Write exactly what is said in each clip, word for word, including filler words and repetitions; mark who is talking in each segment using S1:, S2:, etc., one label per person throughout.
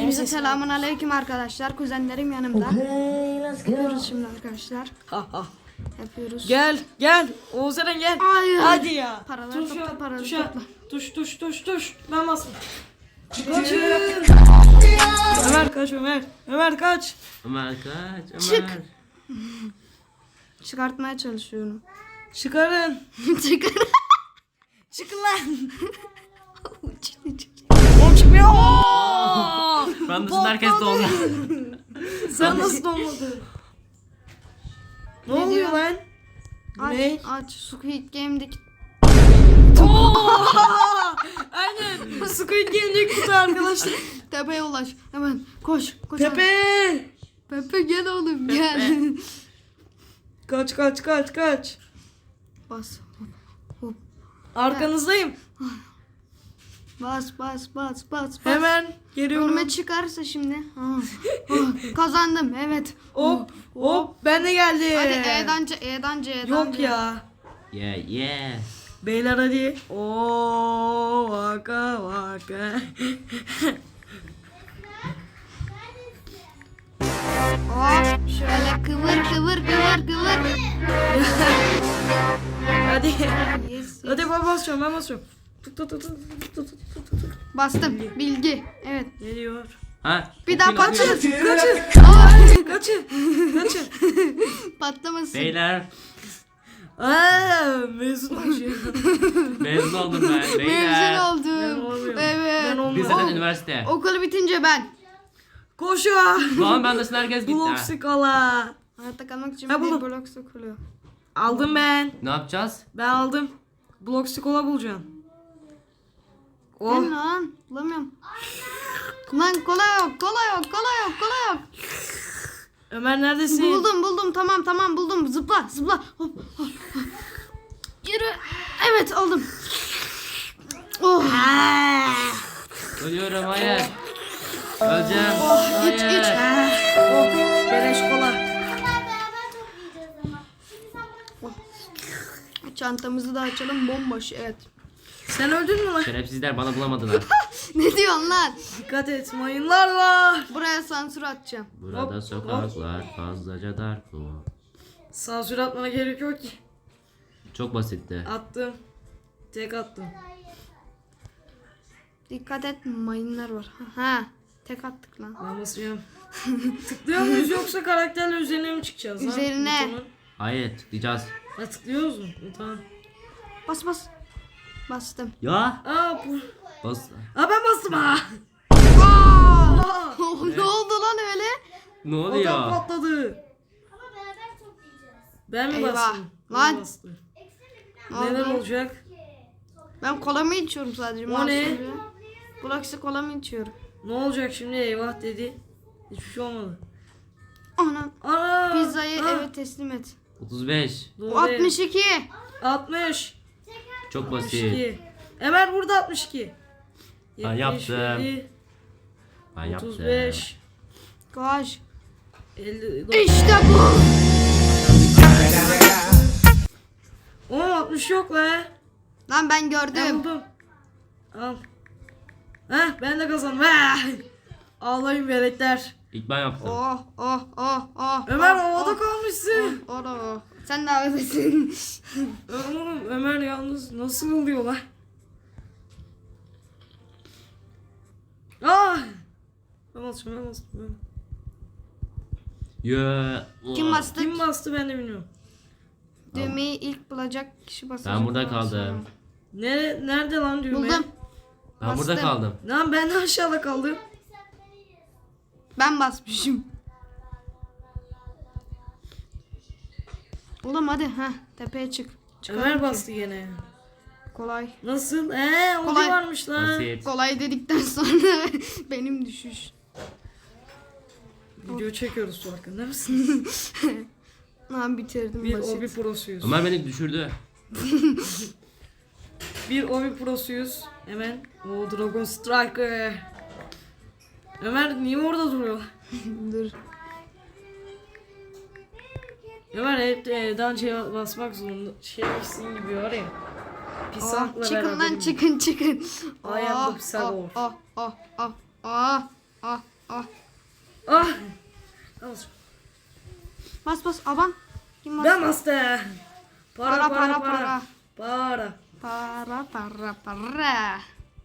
S1: Hepinize selamun aleyküm arkadaşlar. Kuzenlerim yanımda. Yapıyoruz şimdi arkadaşlar.
S2: Ha ha.
S1: Yapıyoruz.
S2: Gel gel. Oğuz Eren gel.
S1: Hayır.
S2: Hadi ya.
S1: Paraları
S2: Tuşa,
S1: topla, paraları
S2: tuşa.
S1: topla.
S2: Tuş tuş tuş tuş. Ben basın. Kaçın. Ömer kaç Ömer. Ömer kaç.
S3: Ömer kaç Ömer.
S1: Çık. Çıkartmaya çalışıyorum.
S2: Çıkarın.
S1: Çıkar.
S2: Çıkın lan.
S1: Çıktı, çıktı.
S2: O çıkmıyor.
S3: Ben dışında herkes dondu.
S2: Sen nasıl donmadın? Ne,
S1: Ne
S2: oluyor
S1: diyor?
S2: lan?
S1: Aç,
S2: Ne?
S1: aç. Squid Game'deki
S2: Aynen. Squid Game'deki kutu arkadaşlar.
S1: tepeye ulaş. Hemen koş. Koş.
S2: Pepe.
S1: Pepe gel oğlum gel.
S2: Kaç kaç kaç kaç.
S1: Bas. Hop.
S2: Arkanızdayım.
S1: Bas bas bas bas bas.
S2: Hemen geliyorum.
S1: Önüme çıkarsa şimdi. Ah, ah, kazandım evet.
S2: Hop hop ben de geldim.
S1: Hadi E'den C, E'den C, E'den
S2: Yok
S1: C.
S2: ya.
S3: Yeah yeah.
S2: Beyler hadi. Oo vaka vaka.
S1: Hop şöyle kıvır kıvır kıvır kıvır.
S2: Hadi.
S1: Yes.
S2: Hadi ben basıyorum ben basıyorum. Tut tut tut tut tut tut tut tut.
S1: Bastım. Bilgi. Evet.
S2: Geliyor.
S3: Ha.
S1: Bir daha
S3: okuyun, okuyun.
S1: patlat.
S2: Kaçın.
S1: Aa,
S2: Kaçın. Kaçın.
S1: patlamasın.
S3: Beyler.
S2: Aa mezun olacağım.
S3: Mezun oldum ben.
S1: Mezun
S3: Beyler.
S2: Ben
S1: oldum.
S2: olamıyorum.
S1: Evet.
S2: Ben olmuyorum.
S3: Liseden üniversite.
S1: Okul bitince ben.
S2: Koşun.
S3: Lan ben dışında herkes gitti.
S2: Blok
S3: ha.
S2: skala.
S1: Hayatta kalmak için
S2: Ha,
S1: bir
S2: buldum.
S1: blok sıkılıyor.
S2: Aldım ben.
S3: Ne yapacağız?
S2: Ben aldım. Blok skola bulacağım. Oh.
S1: Ben lan. Bulamıyorum. Lan kola yok, kola yok, kola yok, kola yok.
S2: Ömer neredesin?
S1: Buldum, buldum. Tamam, tamam buldum. Zıpla, zıpla. Hop, hop, hop. Yürü. Evet, aldım. Oh.
S3: Ölüyorum hayır. Öleceğim.
S1: Oh, iç,
S3: Hayır.
S1: iç.
S2: Oh, beleş kola.
S1: Çantamızı da açalım. Bomboş, evet.
S2: Sen öldün mü lan?
S3: Şerefsizler bana bulamadılar.
S1: Ne diyorsun lan?
S2: Dikkat et, mayınlar var.
S1: Buraya sansür atacağım.
S3: Burada
S2: Hop,
S3: sokaklar fazlaca dar. Oo.
S2: Sansür atmana gerek yok ki.
S3: Çok basitti.
S2: Attım. Tek attım.
S1: Dikkat et, mayınlar var. Ha, tek attık lan.
S2: Ben basıyorum. Tıklıyor muyuz yoksa karakterle üzerine mi çıkacağız? ha?
S1: Üzerine.
S2: Butonun?
S3: Hayır tıklayacağız.
S2: Ha tıklıyoruz mu? Tamam.
S1: Bas, bas. Bastım.
S3: Ya.
S2: Aa, bu...
S3: Bas.
S2: Aa ben bastım ha.
S1: Aa! Ne oldu lan öyle?
S3: Ne
S2: Adam
S3: oluyor?
S2: patladı. Ben mi
S1: Eyvah.
S2: bastım?
S1: Lan.
S2: Ben bastım.
S1: Ne
S2: Neler
S1: oldu?
S2: olacak?
S1: Ben kola mı içiyorum sadece?
S2: O ne?
S1: Bulaksi kola mı içiyorum?
S2: Ne olacak şimdi? Eyvah dedi. Hiçbir şey olmadı.
S1: Ana.
S2: Ana!
S1: Pizzayı
S2: Ah,
S1: eve teslim et.
S3: otuz beş.
S2: doğru.
S1: altmış iki.
S2: altmış.
S3: Çok basit.
S2: altmış iki. Ömer burada altmış iki.
S3: Ben yaptım.
S2: yetmiş,
S3: Ben yaptım.
S2: otuz beş.
S1: Koş.
S2: elli dokuz.
S1: İşte bu.
S2: Oğlum altmış yok la.
S1: Lan ben
S2: Ben
S1: gördüm.
S2: buldum. Al. Heh ben de kazandım. Heh. Ağlayın veletler.
S3: İlk ben yaptım.
S1: Oh oh oh oh.
S2: Ömer
S1: oh,
S2: havada
S1: oh,
S2: kalmışsın.
S1: oh, oh. Sen de havadasın.
S2: Oğlum Ömer yalnız nasıl oluyor la? Ah! Ben basıyorum ben basıyorum.
S3: Yeah.
S1: Kim bastı?
S2: Kim bastı ben de bilmiyorum.
S1: Düğmeyi ilk bulacak kişi basacak.
S3: Ben burada
S1: Ondan
S3: kaldım.
S1: sonra.
S2: Nere, nerede lan düğme?
S1: Buldum.
S3: Ben burada
S1: Bastım.
S3: kaldım.
S2: Lan ben de aşağıda kaldım.
S1: Ben basmışım. Oğlum hadi ha tepeye çık. Çıkalım
S2: Ömer
S1: ki.
S2: bastı gene.
S1: Kolay.
S2: Nasıl? Eee o
S1: Kolay.
S2: da varmış lan.
S3: Basit.
S1: Kolay dedikten sonra benim düşüş.
S2: Video çekiyoruz farkında mısın?
S1: Lan bitirdim
S2: Bir
S1: basit.
S2: obi prosuyuz.
S3: Ömer beni düşürdü.
S2: Bir obi prosuyuz. Hemen. O Dragon Striker. Ömer niye orada duruyor?
S1: Dur.
S2: Ömer hep e, dançaya basmak zorunda. Şeysin gibi var ya.
S1: Oh,
S2: Pisakla
S1: çıkın
S2: beraber.
S1: lan çıkın çıkın.
S2: I am the
S1: Oh,
S2: Pisagor.
S1: oh oh oh oh oh oh bas. Aban. Kim bas?
S2: Ben bastım. Para
S1: Para,
S2: para
S1: para,
S2: para.
S1: para.
S2: Para.
S1: Para para para.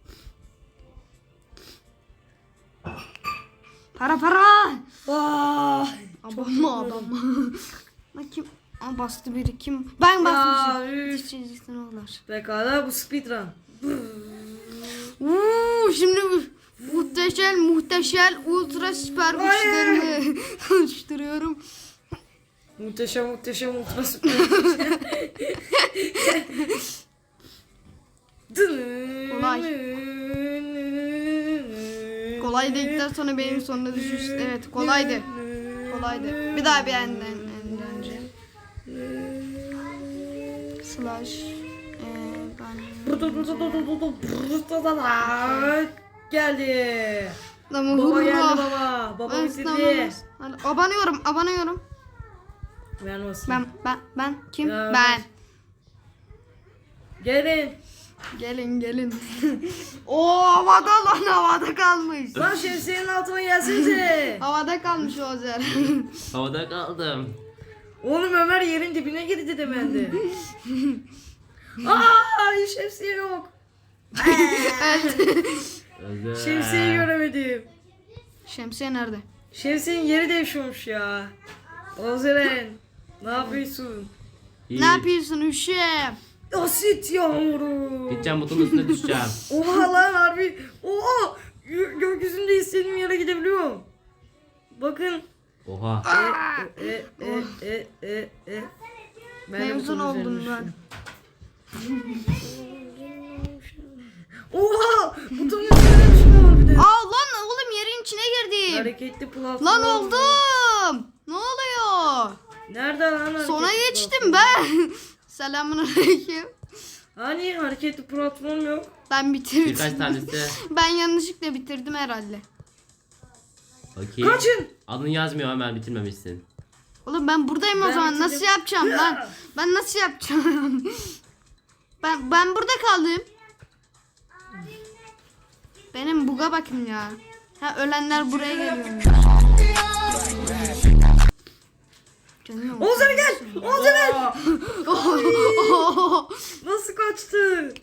S1: Para para.
S2: Vay.
S1: Abam abam. Lan kim? Aa, bastı biri kim? Ben bastım.
S2: üf.
S1: Çizgisinden oldular.
S2: Pekala bu speedrun.
S1: Uuu şimdi muhteşem muhteşem ultra süper
S2: Hayır.
S1: güçlerimi oluşturuyorum.
S2: Muhteşem muhteşem ultra süper.
S1: Kolay. Kolay dedikten sonra benim sonuna düşüş. Evet kolaydı. Kolaydı. Bir daha bir enden, enden önce. Slash. Ee, ben...
S2: Geldi.
S1: Ama
S2: Baba
S1: hurra.
S2: geldi baba. Baba
S1: Ben
S2: bitirdi.
S1: ıslanmaz. Hadi, abanıyorum abanıyorum.
S2: Ben nasıl?
S1: Ben ben ben kim?
S2: Ya,
S1: ben.
S2: Gelin.
S1: Gelin gelin. Oo havada lan havada kalmış.
S2: Lan şemsiyenin altına gelsenize.
S1: Havada kalmış o zer.
S3: Havada kaldım.
S2: Oğlum Ömer yerin dibine girdi de bende. Aa şemsiye yok.
S3: Özel.
S2: Şemsiyeyi göremedim.
S1: Şemsiye nerede?
S2: Şemsiyenin yeri değişiyormuş ya. Ozeren. Ne yapıyorsun?
S3: İyi.
S1: Ne yapıyorsun üşüyem?
S2: Asit yağmuru.
S3: Gideceğim butonun üstüne düşeceğim.
S2: Oha lan harbi. Oha. Gö- gökyüzünde istediğim yere gidebiliyorum. Bakın.
S3: Oha.
S2: E e e e e e. Ben de
S1: Mezun
S2: butonun
S1: oldum
S2: üzerine
S1: ben.
S2: düştüm. Oha. Butonun üzerine düşüyor bir de.
S1: Aa lan oğlum yerin içine girdim.
S2: Hareketli platform.
S1: Lan oldum. Ne oluyor?
S2: Nerede lan hareketli
S1: Sona
S2: platform?
S1: geçtim ben. Selamünaleyküm.
S2: Hani hareketli platform yok?
S1: Ben bitirdim.
S3: Birkaç tanesi.
S1: Ben yanlışlıkla bitirdim herhalde.
S3: Okey.
S2: Kaçın.
S3: Adını yazmıyor hemen bitirmemişsin.
S1: Oğlum ben buradayım o
S2: Ben
S1: zaman.
S2: bitirdim.
S1: Nasıl yapacağım lan? Ben nasıl yapacağım? ben ben burada kaldım. Benim buga bakın ya. Ha ölenler buraya geliyor. Canım.
S2: Ozan gel. Ozan. Nasıl kaçtı?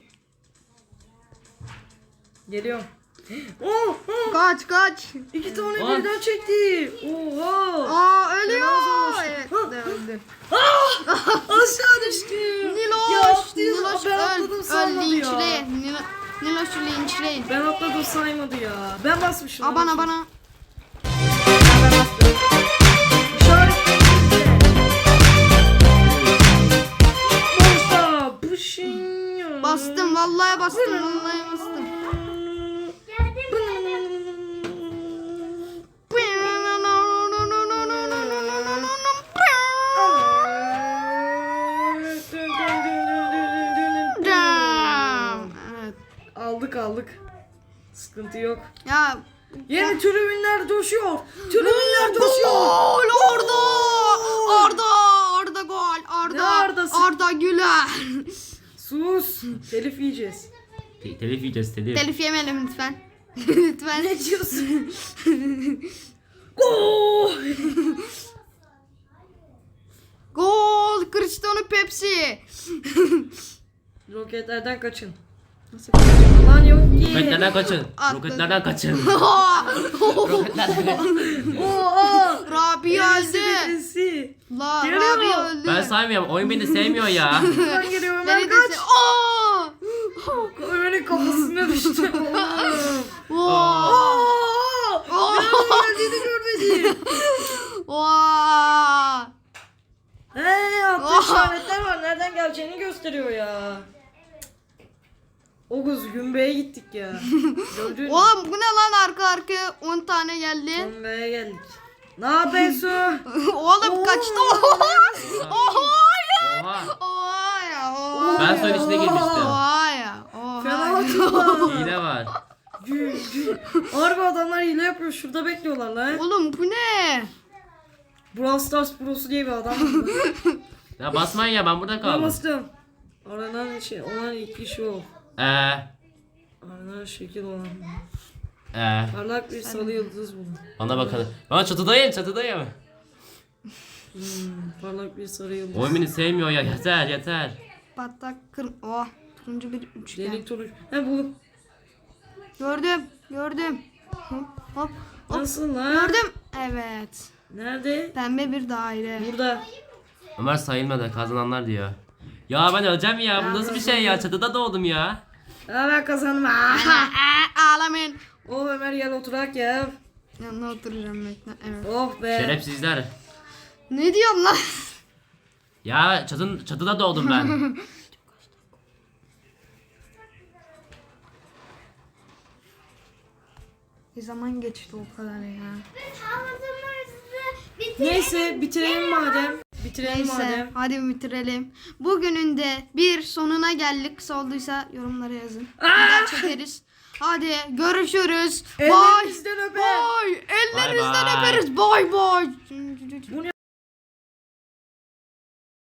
S2: Geliyorum. Oh, oh.
S1: Kaç kaç.
S2: İki tane
S3: Lan.
S2: birden çekti. Oha.
S1: Aa ölüyor.
S2: Fena olmuş.
S1: Evet
S2: Ha.
S1: de öldü.
S2: Aşağı düştüm.
S1: Niloş.
S2: Ya atlıyorum.
S1: Niloş
S2: Ben
S1: öl.
S2: atladım
S1: Öl
S2: saymadı ya.
S1: linçleyin. Nilo, Niloş'u linçleyin.
S2: Ben atladım saymadı ya. Ben basmışım.
S1: Abana bana.
S2: Boşta. Pışın.
S1: Bastım vallahi bastım vallahi bastım. Evet.
S2: Aldık aldık. Sıkıntı yok.
S1: Ya
S2: Yeni tribünler coşuyor. Tribünler coşuyor.
S1: gol Arda! Arda! Arda gol! Arda!
S2: Ne Arda'sı?
S1: Arda Güler!
S2: Sus. Telif yiyeceğiz.
S3: Te- telif yiyeceğiz telif.
S1: Telif yemeyelim lütfen. lütfen.
S2: Ne diyorsun? Gol.
S1: Gol! Cristiano Pepsi!
S2: Roketlerden kaçın.
S1: Nasıl
S2: Alan yok ki.
S3: Roketlerden kaçın.
S1: Atladım.
S3: Roketlerden kaçın.
S1: Roketlerden
S3: Roketlerden kaçın.
S2: Oha.
S1: Rabia öldü.
S2: Birisi.
S1: La
S2: Geliyor.
S1: Rabia öldü.
S3: Ben saymıyorum. Oyun beni sevmiyor ya.
S2: Ben geliyorum. Ömer
S1: Beni de
S2: kaç.
S1: se- Aa!
S2: Ömer'in kafasına düştü.
S1: Vaa!
S2: Aa! Nereden geldiğini görmedim.
S1: Vaa!
S2: He altta işaretler var. Nereden geleceğini gösteriyor ya. Oğuz Gümbey'e gittik ya. Gördün mü?
S1: Oğlum bu ne lan arka arkaya on tane geldi.
S2: Gümbey'e geldik. Ne yapıyorsun?
S1: Oğlum kaçtı. Oha ya.
S3: Oha.
S1: Oha ya. Oha
S3: Ben
S1: ya.
S3: suyun içine girmiştim.
S1: Oha ya. Oha
S2: Fena
S1: ya.
S2: atıyorlar.
S3: Hile var.
S2: Gül gül. Harbi adamlar hile yapıyor. Şurada bekliyorlar lan.
S1: Oğlum bu ne?
S2: Brawl Stars Pro'su diye bir adam.
S3: Ya basmayın ya ben burada
S2: Ben
S3: kaldım.
S2: bastım. Aranan şey, olan ilk kişi o.
S3: Eee.
S2: Aranan şekil olan.
S3: Eee.
S2: Parlak bir sarı yıldız bulun.
S3: Bana bakalım. Ben çatıdayım çatıdayım.
S2: Hmm, parlak bir sarı yıldız.
S3: Oyun beni sevmiyor ya. Yeter yeter.
S1: Patlak kır. Oh. Turuncu bir üçgen.
S2: Delik turuncu. He buldum.
S1: Gördüm. Gördüm. Hop hop. Hop.
S2: Nasıl lan?
S1: Gördüm. Evet.
S2: Nerede?
S1: Pembe bir daire.
S2: Burada.
S3: Ömer sayılmadı kazananlar diyor. Ya ben öleceğim ya. Bu nasıl bir şey ya? Çatıda doğdum ya.
S2: Aa, ben kazandım.
S1: Aa,
S2: Aa.
S1: ağlamayın.
S2: Oh Ömer gel oturak ya.
S1: Yanına oturacağım bekle. Evet.
S2: Oh be.
S3: Şerefsizler.
S1: Ne diyorsun lan?
S3: Ya çatın, çatıda doğdum ben.
S1: Bir zaman geçti o kadar ya.
S2: Neyse bitirelim madem. Bitirelim
S1: Neyse
S2: madem.
S1: hadi bitirelim. Bugünün de bir sonuna geldik. Kısa olduysa yorumlara yazın. Bir daha çekeriz. Hadi görüşürüz. Bye.
S2: Ellerinizden öper.
S1: Bye. Ellerinizden
S3: Bye bye.
S1: öperiz. Bye bye.